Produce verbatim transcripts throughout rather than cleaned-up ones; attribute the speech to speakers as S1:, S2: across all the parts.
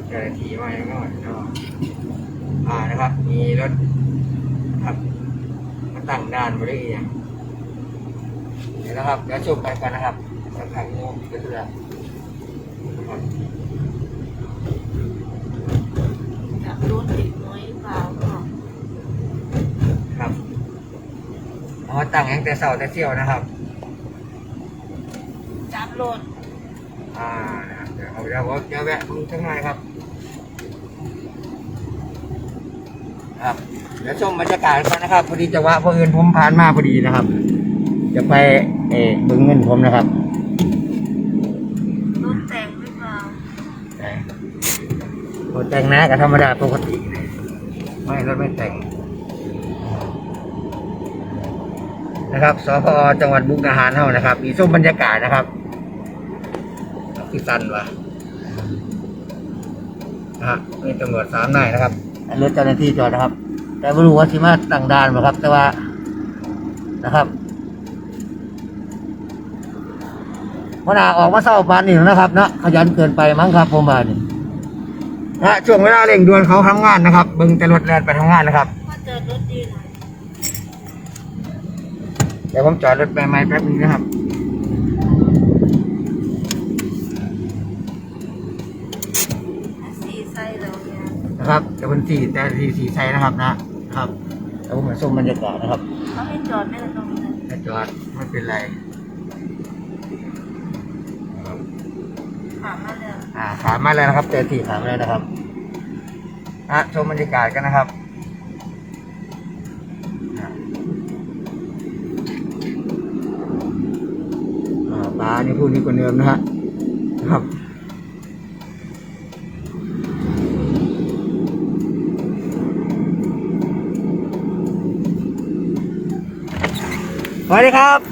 S1: เจ้าหน้าที่มาอย่างน้อยเนาะอ่านะครับมีรถครับมาตั้งด่านบริเวณเดี๋ยวนะครับเดี๋ยวชมไปกันนะครับสักครั้งนึงก็คือนะครับ
S2: จับรถติดน้อยเปล่าก็
S1: ครับเอามาตั้งอย่างแต่เสาแต่เที่ยวนะครับ
S2: จับรถ
S1: อ่านะครับเดี๋ยวเอาเดี๋ยวผมจะแวะมึงทั้งไงครับครับเดี๋ยวชมบรรยากาศกันนะครับพอดีจังหวะพอเอินผมผ่านมาพอดีนะครับ จะไปเออบึงเงินผมนะครับ
S2: รถแต่งหรือเปล่า
S1: แต่รถแต่งนะกับธรรมดาปกติไม่รถไม่แต่งนะครับสพจังหวัดมุกดาหารเท่านะครับ มีชมบรรยากาศนะครับที่ตันวะนะฮะมีตำรวจสามนายนะครับรถเจ้าหน้าที่จอดนะครับ แต่ไม่รู้ว่าที่มาตั้งด่านไหมครับ แต่ว่านะครับพนาออกมาเศร้าปานนี่นะครับเนาะขยันเกินไปมั้งครับผมบานี่นะช่วงเวลาเร่งด่วนเขาทำงานนะครับเบิ่งแต่รถแล่นไปทำงานนะครับ
S2: ก็เจอรถดีหน่อย
S1: เดี๋ยวผมจอดรถไปไม้แป๊บนึงนะครับ
S2: สีใส่เราเนี่ย
S1: นะครับเดี๋ยวคนสี่แต่สี่สี่ไซนะครับนะครับแล้วผมมาชมบรรยากาศนะครับ
S2: เขาให้จอดไม่ตรงนี้
S1: ถ้าจอดไม่เป็นไรครับ
S2: ถามมาเลย
S1: อ่าขามมาแล้วนะครับเจอที่ขามแล้วนะครับอ่ะชมบรรยากาศกันนะครับอ่ะอ่าปลานี่พูดนี่คนเดิมนะฮะครับสวัสดีครับ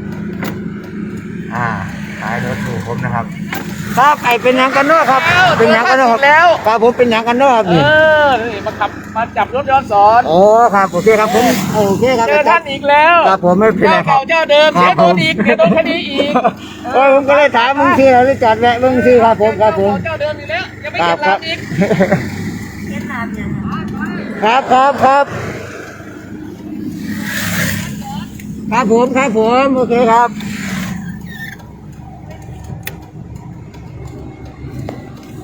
S1: อ่าขายรถถูกผมนะครับครับไอเป็นหยังกันเนาะครับเป็นหยังกันเนาะครับแล้วครับผมเป็นหยังกันเนาะครับ
S3: เอ
S1: นี่
S3: อนี่มาขับมาจับรถย้อนสอน
S1: โอ้ครับโอเคครับผมโอเคครับ
S3: เจอท่านอีกแล้ว
S1: ครับผมไม่เป็นไร
S3: เจ้า
S1: ครั
S3: เก่า
S1: บ
S3: เจ้าเดิม
S1: ครั
S3: เสี
S1: บ
S3: ยโดนอีกเสียโดนคดีอีก
S1: โอ้ยผมก็เลยถามมึงชื่ออะไรจัดแวะมึงชื่อครับผมครับผม
S3: เจ้าเดิมอีกแล้วยังไม่
S1: ค
S3: เห็
S1: รับ
S3: น
S1: ครั
S3: ลา
S1: บ
S3: มอีก
S2: เวียดนามเนี่ย
S1: ครับครับครับครับผมครับผมโอเคครับ